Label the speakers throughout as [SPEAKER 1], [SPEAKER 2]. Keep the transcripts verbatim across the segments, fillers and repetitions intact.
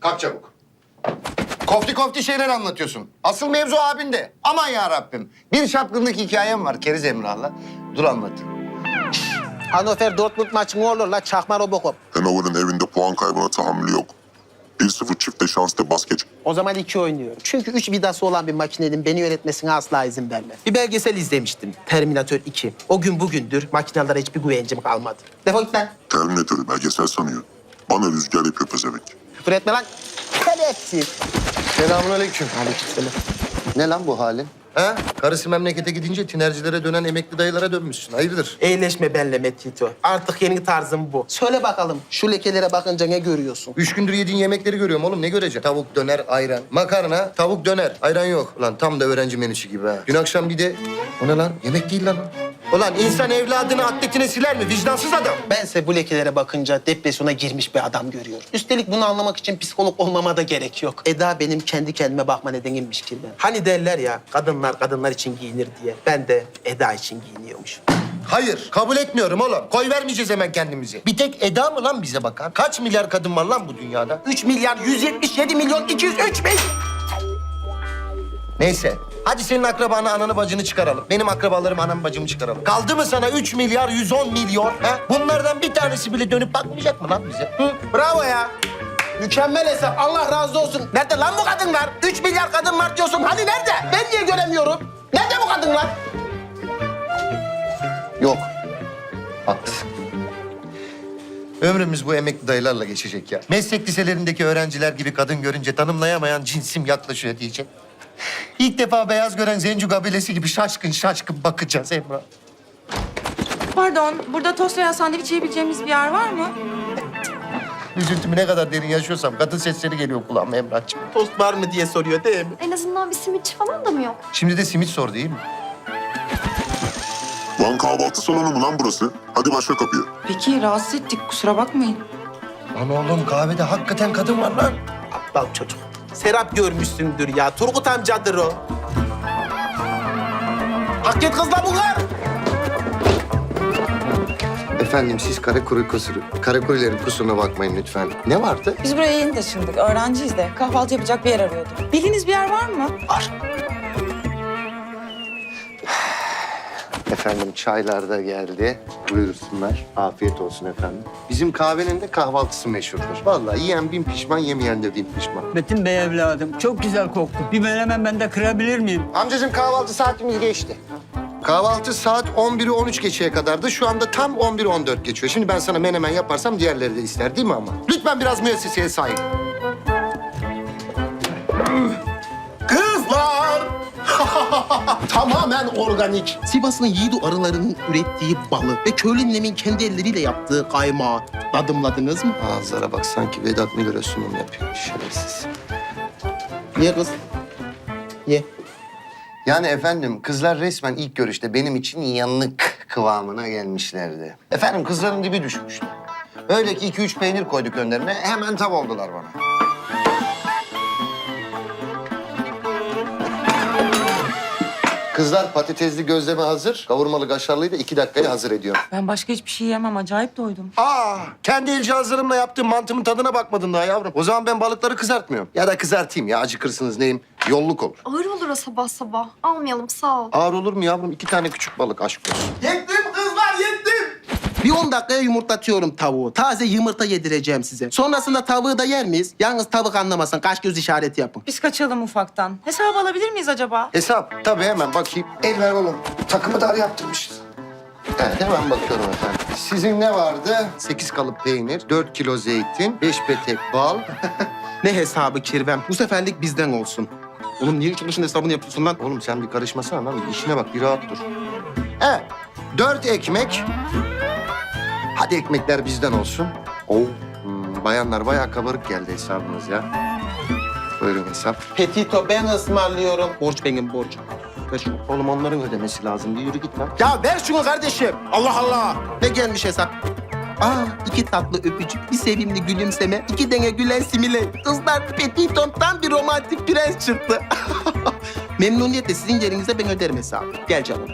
[SPEAKER 1] Kalk çabuk. Kofti kofti şeyler anlatıyorsun. Asıl mevzu abinde. Aman ya Rabbim. Bir çapkınlık hikayem var Keriz Emrah'la. Dur anlatayım.
[SPEAKER 2] Hannover Dortmund maçı ne olur la çakma Robocop.
[SPEAKER 3] Hannover'ın evinde puan kaybına tahammülü yok. bir sıfır çifte şanslı bas geç.
[SPEAKER 2] O zaman iki oynuyorum. Çünkü üç vidası olan bir makinenin beni yönetmesine asla izin vermem. Bir belgesel izlemiştim. Terminator iki. O gün bugündür makinelere hiçbir güvencim kalmadı. Defol git lan.
[SPEAKER 3] Terminatörü belgesel sanıyor. Bana rüzgar yapıyor pezevenk.
[SPEAKER 2] Küfür etme lan. Şerefsiz.
[SPEAKER 1] Selamünaleyküm.
[SPEAKER 2] Aleykümselam.
[SPEAKER 1] Ne lan bu halin? Ha? Karısı memlekete gidince tinercilere dönen emekli dayılara dönmüşsün. Hayırdır?
[SPEAKER 2] Eğleşme benle Metito. Artık yeni tarzım bu. Söyle bakalım şu lekelere bakınca ne görüyorsun?
[SPEAKER 1] Üç gündür yediğin yemekleri görüyorum oğlum. Ne göreceksin? Tavuk, döner, ayran. Makarna, tavuk, döner. Ayran yok. Ulan tam da öğrenci menüsü gibi ha. Dün akşam bir de... O ne lan? Yemek değil lan o. Ulan insan evladını atletine siler mi? Vicdansız adam.
[SPEAKER 2] Bense bu lekelere bakınca depresyona girmiş bir adam görüyorum. Üstelik bunu anlamak için psikolog olmama da gerek yok. Eda benim kendi kendime bakma nedenimmiş ki ben. Hani derler ya kadınlar kadınlar için giyinir diye. Ben de Eda için giyiniyormuş.
[SPEAKER 1] Hayır, kabul etmiyorum oğlum. Koy vermeyeceğiz hemen kendimizi. Bir tek Eda mı lan bize bakan? Kaç milyar kadın var lan bu dünyada?
[SPEAKER 2] Üç milyar yüz yetmiş yedi milyon iki yüz üç bin.
[SPEAKER 1] Neyse. Hadi senin akrabanı, ananı, bacını çıkaralım. Benim akrabalarım, anamı, bacımı çıkaralım. Kaldı mı sana üç milyar yüz on milyon? Ha? Bunlardan bir tanesi bile dönüp bakmayacak mı lan bize? Hı?
[SPEAKER 2] Bravo ya. Mükemmel hesap. Allah razı olsun. Nerede lan bu kadınlar? Üç milyar kadın var diyorsun. Hani nerede? Ben niye göremiyorum? Nerede bu kadınlar?
[SPEAKER 1] Yok. Haklısın. Ömrümüz bu emekli dayılarla geçecek ya. Meslek liselerindeki öğrenciler gibi kadın görünce tanımlayamayan cinsim yaklaşıyor diyecek. İlk defa beyaz gören Zencu kabilesi gibi şaşkın şaşkın bakacağız Emrah.
[SPEAKER 4] Pardon, burada tost veya sandviç yiyebileceğimiz bir yer var mı?
[SPEAKER 1] Üzüntümü ne kadar derin yaşıyorsam kadın sesleri geliyor kulağıma Emrah'cığım.
[SPEAKER 2] Tost var mı diye soruyor değil mi?
[SPEAKER 5] En azından bir simitçi falan da mı yok?
[SPEAKER 1] Şimdi de simit sor değil mi?
[SPEAKER 3] Lan kahvaltı salonu mu lan burası? Hadi başla kapıyı.
[SPEAKER 4] Peki, rahatsız ettik. Kusura bakmayın.
[SPEAKER 1] Lan oğlum kahvede hakikaten kadın var lan.
[SPEAKER 2] Aptal çocuk. Serap görmüşsündür ya. Turgut amcadır o. Hak et kızla bunlar.
[SPEAKER 1] Efendim siz karakuri kusuru, karakurilerin kusuruna bakmayın lütfen. Ne vardı?
[SPEAKER 4] Biz buraya yeni taşındık. Öğrenciyiz de. Kahvaltı yapacak bir yer arıyorduk. Bildiğiniz bir yer var mı?
[SPEAKER 2] Var.
[SPEAKER 1] Efendim çaylar da geldi. Buyursunlar. Afiyet olsun efendim. Bizim kahvenin de kahvaltısı meşhurdur. Vallahi yiyen bin pişman, yemeyen de bin pişman.
[SPEAKER 6] Metin Bey evladım, çok güzel koktu. Bir menemen ben de kırabilir miyim?
[SPEAKER 1] Amcacığım kahvaltı saatimiz geçti. Kahvaltı saat on biri on üç geçeye kadardı. Şu anda tam on bir on dört geçiyor. Şimdi ben sana menemen yaparsam diğerleri de ister değil mi ama? Lütfen biraz müesseseye sahip.
[SPEAKER 2] Kızlar! Tamamen organik. Sivas'ın yiğidu arılarının ürettiği balı ve köylü ninemin kendi elleriyle yaptığı kaymağı tadımladınız mı?
[SPEAKER 1] Ağızlara bak sanki Vedat Milor'a sunum yapıyor. Şerefsiz.
[SPEAKER 2] Ye kız. Ye.
[SPEAKER 1] Yani efendim kızlar resmen ilk görüşte benim için yanlık kıvamına gelmişlerdi. Efendim kızların dibi düşmüştü. Öyle ki iki üç peynir koyduk önlerine hemen tav oldular bana. Kızlar patatesli gözleme hazır. Kavurmalı kaşarlıyı da iki dakikaya hazır ediyorum.
[SPEAKER 4] Ben başka hiçbir şey yemem. Acayip doydum.
[SPEAKER 1] Aa, kendi el cihazlarımla yaptığım mantımın tadına bakmadın daha yavrum. O zaman ben balıkları kızartmıyorum. Ya da kızartayım ya acıkırsınız neyim? Yolluk olur.
[SPEAKER 5] Ağır olur o sabah sabah. Almayalım sağ ol.
[SPEAKER 1] Ağır olur mu yavrum? İki tane küçük balık aşk olsun.
[SPEAKER 2] Yettim kızlar yettim. Bir on dakikaya yumurtlatıyorum tavuğu. Taze yumurta yedireceğim size. Sonrasında tavuğu da yer miyiz? Yalnız tavuk anlamasın. Kaş göz işareti yapın.
[SPEAKER 4] Biz kaçalım ufaktan. Hesabı alabilir miyiz acaba?
[SPEAKER 1] Hesap. Tabii hemen bakayım. El ver oğlum. Takımı dar yaptırmışız. Evet hemen bakıyorum efendim. Sizin ne vardı? Sekiz kalıp peynir, dört kilo zeytin, beş petek bal.
[SPEAKER 2] Ne hesabı kirvem? Bu seferlik bizden olsun. Oğlum niye çalışın hesabını yapıyorsun lan?
[SPEAKER 1] Oğlum sen bir karışmasana lan. İşine bak bir rahat dur. Evet. Dört ekmek. Hadi ekmekler bizden olsun. Oo. Hmm, bayanlar bayağı kabarık geldi hesabınız ya. Buyurun hesap.
[SPEAKER 2] Petito ben ısmarlıyorum. Borç benim borç. Ver şunu.
[SPEAKER 1] Oğlum onların ödemesi lazım. Bir yürü git lan.
[SPEAKER 2] Ya ver şunu kardeşim. Allah Allah. Ne gelmiş hesap? Aa iki tatlı öpücük, bir sevimli gülümseme, iki dene gülen simile. Kızlar Petitom tam bir romantik prens çıktı. Memnuniyetle sizin yerinize ben öderim hesabı. Gel canım.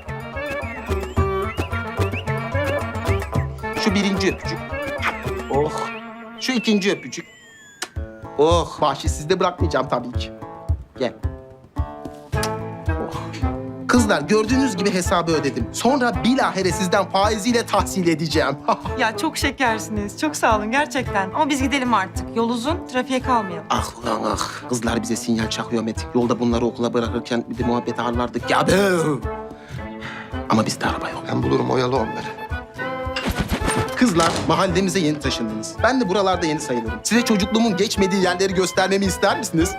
[SPEAKER 2] Şu birinci öpücük. Oh. Şu ikinci öpücük. Oh, bahşiş sizde bırakmayacağım tabii ki. Gel. Oh. Kızlar gördüğünüz gibi hesabı ödedim. Sonra bilahare sizden faiziyle tahsil edeceğim.
[SPEAKER 4] Ya çok şekersiniz. Çok sağ olun gerçekten. Ama biz gidelim artık. Yol uzun, trafiğe kalmayalım.
[SPEAKER 2] Ah ulan ah. Kızlar bize sinyal çakıyor Metin. Yolda bunları okula bırakırken bir de muhabbet ağırlardık ya. Be. Ama bizde araba yok.
[SPEAKER 1] Ben bulurum oyalı onları.
[SPEAKER 2] Kızlar mahallemize yeni taşındınız. Ben de buralarda yeni sayılırım. Size çocukluğumun geçmediği yerleri göstermemi ister misiniz?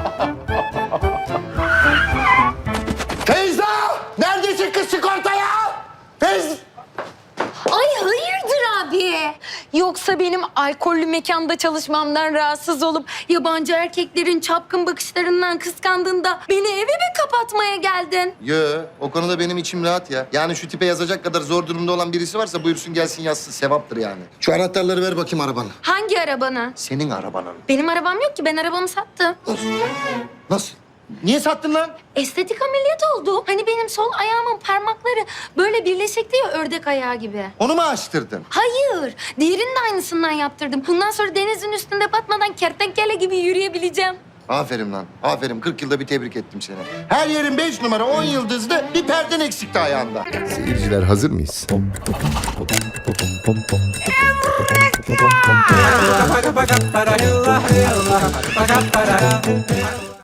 [SPEAKER 1] Feyza! Neredesin kız sigortaya? Feyza!
[SPEAKER 7] Ay hayırdır abi? Yoksa benim alkollü mekanda çalışmamdan rahatsız olup yabancı erkeklerin çapkın bakışlarından kıskandığında beni eve mi kapatmaya geldin?
[SPEAKER 1] Yo, o konuda benim içim rahat ya. Yani şu tipe yazacak kadar zor durumda olan birisi varsa buyursun gelsin yazsın. Sevaptır yani. Şu anahtarları ver bakayım arabana.
[SPEAKER 7] Hangi arabanı?
[SPEAKER 1] Senin arabanın.
[SPEAKER 7] Benim arabam yok ki, ben arabamı sattım.
[SPEAKER 1] Nasıl? Niye sattın lan?
[SPEAKER 7] Estetik ameliyat oldu. Hani benim sol ayağımın parmakları böyle birleşikti ya, ördek ayağı gibi.
[SPEAKER 1] Onu mu açtırdın?
[SPEAKER 7] Hayır, diğerinin de aynısından yaptırdım. Bundan sonra denizin üstünde batmadan kertenkele gibi yürüyebileceğim.
[SPEAKER 1] Aferin lan. Aferin. kırk yılda bir tebrik ettim seni. Her yerin beş numara on yıldızlı bir perden eksikti ayağında.
[SPEAKER 8] Seyirciler hazır mıyız?